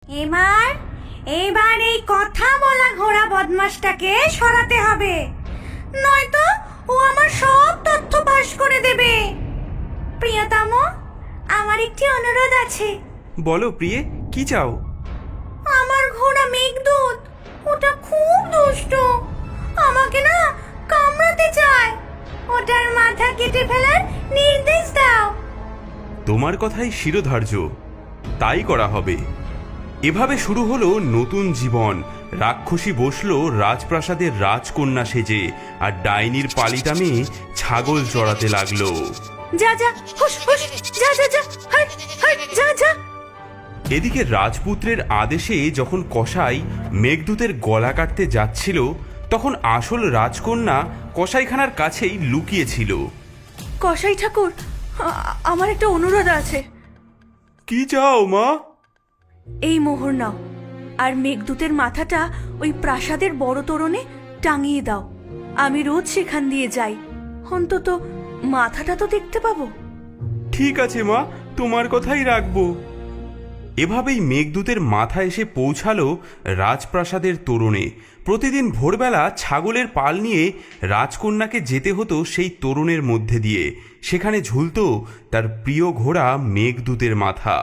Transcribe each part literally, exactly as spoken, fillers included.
এবার এবার এই কথা বলা ঘোড়া বদমাসটাকে সরাতে হবে, নয়তো ও আমার সব তথ্য ফাঁস করে দেবে। প্রিয়তম, আমার একটি অনুরোধ আছে। বলো প্রিয়ে, কি চাও? আমার ঘোড়া মেঘদূত, ওটা খুব দুষ্ট, আমাকে না কামড়াতে চায়। ওটার মাথা কেটে ফেলার নির্দেশ দাও। তোমার কথাই শিরোধার্য, তাই করা হবে। এভাবে শুরু হলো নতুন জীবন। রাক্ষসী বসলো রাজপ্রাসাদের রাজকন্যা সেজে, আর ডাইনির পালিটা মেয়ে ছাগল চড়াতে লাগলো। যা যা, হুশ হুশ, যা যা যা, হাট হাট, যা যা। এদিকে রাজপুত্রের আদেশে যখন কসাই মেঘদূতের গলা কাটতে যাচ্ছিল, তখন আসল রাজকন্যা কসাইখানার কাছেই লুকিয়েছিল। কসাই ঠাকুর, আমার একটা অনুরোধ আছে। কি চাও মা? এই মোহর নাও, আর মেঘদূতের মাথাটা ওই প্রাসাদের বড় তোরণে টাঙিয়ে দাও। আমি রোজ সেখান দিয়ে যাই, অন্তত মাথাটা তো দেখতে পাবো। ঠিক আছে মা, তোমার কথাই রাখবো। এভাবেই মেঘদূতের মাথা এসে পৌঁছালো রাজপ্রাসাদের তোরণে। প্রতিদিন ভোরবেলা ছাগলের পাল নিয়ে রাজকন্যাকে যেতে হতো সেই তোরণের মধ্যে দিয়ে। সেখানে ঝুলতো তার প্রিয় ঘোড়া মেঘদূতের মাথা।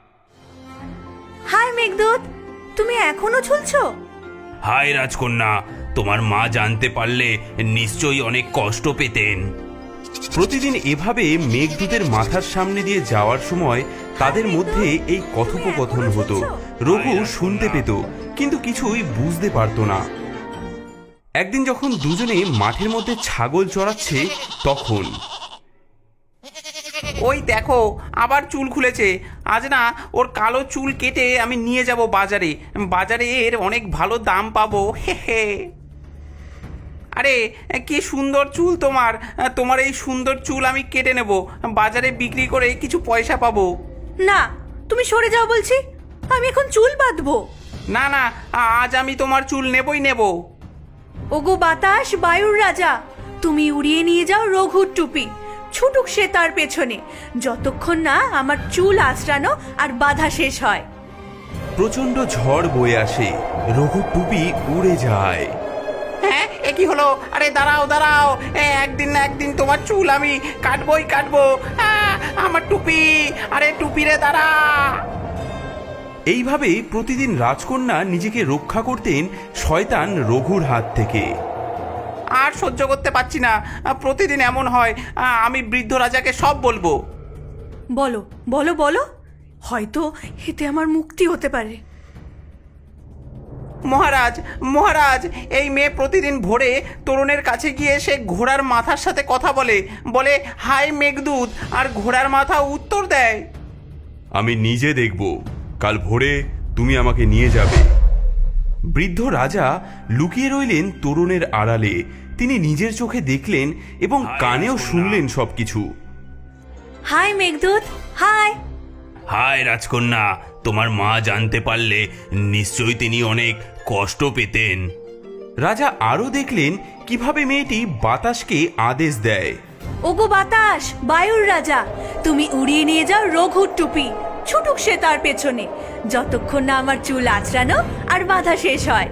হাই মেঘদূত, তুমি এখনো ঝুলছো? হায় রাজকন্যা, তোমার মা জানতে পারলে নিশ্চয়ই অনেক কষ্ট পেতেন। প্রতিদিন এভাবে মেঘদূতের মাথার সামনে দিয়ে যাওয়ার সময় তাদের মধ্যে এই কথোপকথন হতো। রঘু শুনতে পেত, কিন্তু কিছুই বুঝতে পারত না। একদিন যখন দুজনে মাঠের মধ্যে ছাগল চড়াচ্ছে, তখন ওই দেখো, আবার চুল খুলেছে। আজ না ওর কালো চুল কেটে আমি নিয়ে যাব বাজারে। বাজারে এর অনেক ভালো দাম পাবো। হে হে। আরে কি সুন্দর চুল তোমার! তোমার এই সুন্দর চুল আমি কেটে নেব, বাজারে বিক্রি করে কিছু পয়সা পাবো। না, তুমি সরে যাও বলছি, আমি এখন চুল বাঁধবো। না না, আজ আমি তোমার চুল নেবই নেব। ওগো বাতাস, বায়ুর রাজা, তুমি উড়িয়ে নিয়ে যাও রঘুর টুপি। ছুটুক সে তার পেছনে, যতক্ষণ না আমার চুল আঁচড়ানো আর বাধা শেষ হয়। প্রচন্ড ঝড় বয়ে আসে, রঘুর টুপি উড়ে যায়। হ্যাঁ, এ কি হলো? আরে দাঁড়াও দাঁড়াও, একদিন না একদিন তোমার চুল আমি কাটবই কাটবো। আমার টুপি, আরে টুপি রে, দাঁড়া। এইভাবে প্রতিদিন রাজকন্যা নিজেকে রক্ষা করতেন শয়তান রঘুর হাত থেকে। আর সহ্য করতে পারছি না, প্রতিদিন এমন হয়। আমি বৃদ্ধ রাজাকে সব বলবো। বলো বলো বলো, হয়তো এতে আমার মুক্তি হতে পারে। মহারাজ মহারাজ, এই মেয়ে প্রতিদিন ভোরে তরুণের কাছে গিয়ে সে ঘোড়ার মাথার সাথে কথা বলে বলে হাই মেঘদূত, আর ঘোড়ার মাথা উত্তর দেয়। আমি নিজে দেখব, কাল ভোরে তুমি আমাকে নিয়ে যাবে। বৃদ্ধ রাজা লুকিয়ে রইলেন তরুণের আড়ালে। তিনি নিজের চোখে দেখলেন এবং কানেও শুনলেন সবকিছু। High Meghaduta, high. হায় রাজকন্যা, তোমার মা জানতে পারলে নিশ্চয়ই তিনি অনেক কষ্ট পেতেন। রাজা আরও দেখলেন কিভাবে মেয়েটি বাতাসকে আদেশ দেয়। ওগো বাতাস, বায়ুর রাজা, তুমি উড়িয়ে নিয়ে যাও রঘুর টুপি। ছুটুক সে তার পেছনে, যতক্ষণ না আমার চুল আঁচড়ানো আর বাধা শেষ হয়।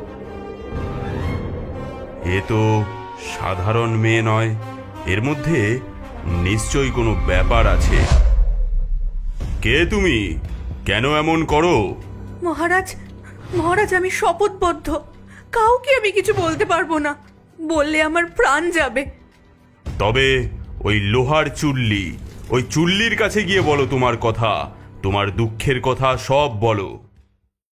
এ তো সাধারণ মেয়ে নয়, এর মধ্যে নিশ্চয়ই কোনো ব্যাপার আছে। কে তুমি? কেন এমন করো? মহারাজ, মহারাজ, আমি শপথবদ্ধ, কাউকে আমি কিছু বলতে পারবো না। বললে আমার প্রাণ যাবে। তবে ওই লোহার চুল্লি, ওই চুল্লির কাছে গিয়ে বলো তোমার কথা, তোমার দুঃখের কথা সব বলো।